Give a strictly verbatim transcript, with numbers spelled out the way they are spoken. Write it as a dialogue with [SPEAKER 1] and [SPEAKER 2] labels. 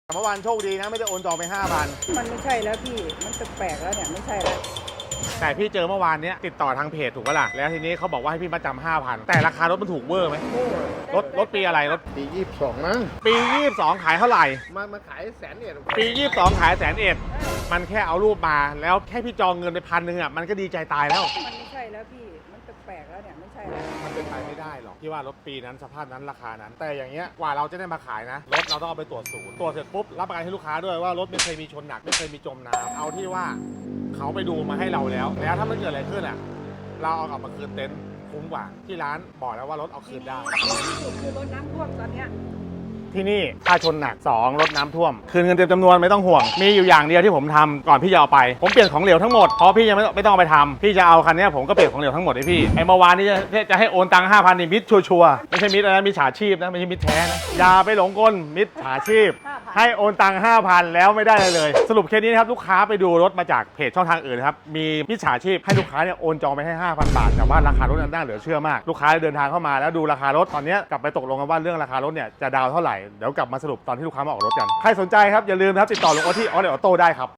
[SPEAKER 1] เมื่อวานโชคดีนะไม่ได้โอนจองไป ห้าพัน
[SPEAKER 2] มันไม่ใช่แล้วพี่ มันแปลกๆแล้วเนี่ยไม่ใช่แล้ว
[SPEAKER 1] แต่พี่เจอเมื่อวานเนี้ยติดต่อทางเพจถูกปะล่ะแล้วทีนี้เขาบอกว่าให้พี่มาจำห้าพันแต่ราคารถมันถูกเวอร์ไหม
[SPEAKER 2] โอ้
[SPEAKER 1] รถรถปีอะไรรถ
[SPEAKER 3] ปียี่สิบสองมั้ง
[SPEAKER 1] ปียี่สิบสองขายเท่าไหร่
[SPEAKER 3] มามาขายแสนเนี่ย
[SPEAKER 1] ปียี่สิบสองขายแสนเอ็ดมันแค่เอารูปมาแล้วแค่พี่จองเงินไปพันหนึ่งอ่ะมันก็ดีใจตายแล้ว
[SPEAKER 2] มันไม่ใช่แล้วพี่ มันแปลกๆแล้วเนี่ยไม่ใช่แล้ว
[SPEAKER 1] มันเป็นไปไม่ได้หรอกที่ว่ารถปีนั้นสภาพนั้นราคานั้น แต่อย่างเงี้ยกว่าเราจะได้มาขายนะรถเราต้องเอาไปตรวจศูนย์ตรวจเสร็จปุ๊บรับประกันให้ลูกค้าด้วยว่ารถไม่เคยมีชนหนักไม่เคยมีจมน้ำเอาที่ว่าเขาไปดูมาให้เราแล้ว แล้วถ้ามันเกิดอะไรขึ้นอ่ะเราเอากลับมาคืนเต็นท์คุ้มกว่าที่ร้านบอกแล้วว่ารถเอาคืนได้
[SPEAKER 2] ที่สุดคือรถน้ำท่วมตอนเนี้ย
[SPEAKER 1] ที่นี่ค่าชนหนักสองรถน้ำท่วมคืนเงินเต็มจำนวนไม่ต้องห่วงมีอยู่อย่างเดียวที่ผมทำก่อนพี่จะเอาไปผมเปลี่ยนของเหลวทั้งหมดเพราะพี่ยังไม่ไม่ต้องเอาไปทำพี่จะเอาคันนี้ผมก็เปลี่ยนของเหลวทั้งหมดให้พี่ไอ้เมื่อวานนี้จะจะให้โอนตังค์ห้าพันนี่มิดชัวร์ๆไม่ใช่มิดอะไรนะมิดฉาชีพนะไม่ใช่มิดแท้นะอย่าไปหลงกลมิดฉาชีพ ให้โอนตังค์ห้าพันแล้วไม่ได้เลยเลย สรุปเคสนี้นะครับลูกค้าไปดูรถมาจากเพจช่องทางอื่นนะครับมีมิจฉาชีพให้ลูกค้าเนี่ยโอนจองไปให้ ห้าพัน บาทแต่ว่าราคารถนั้นน่าเหลือเชื่อมากลูกค้าเดินทางเข้ามาแล้วดูราคารถตอนนี้กลับไปตกลงกันว่าเรื่องราคารถเนี่ยจะดาวเท่าไหร่เดี๋ยวกลับมาสรุปตอนที่ลูกค้ามาออกรถกันใครสนใจครับอย่าลืมนะครับติดต่อลุงโอที่ออเดอร์ออโต้ได้ครับ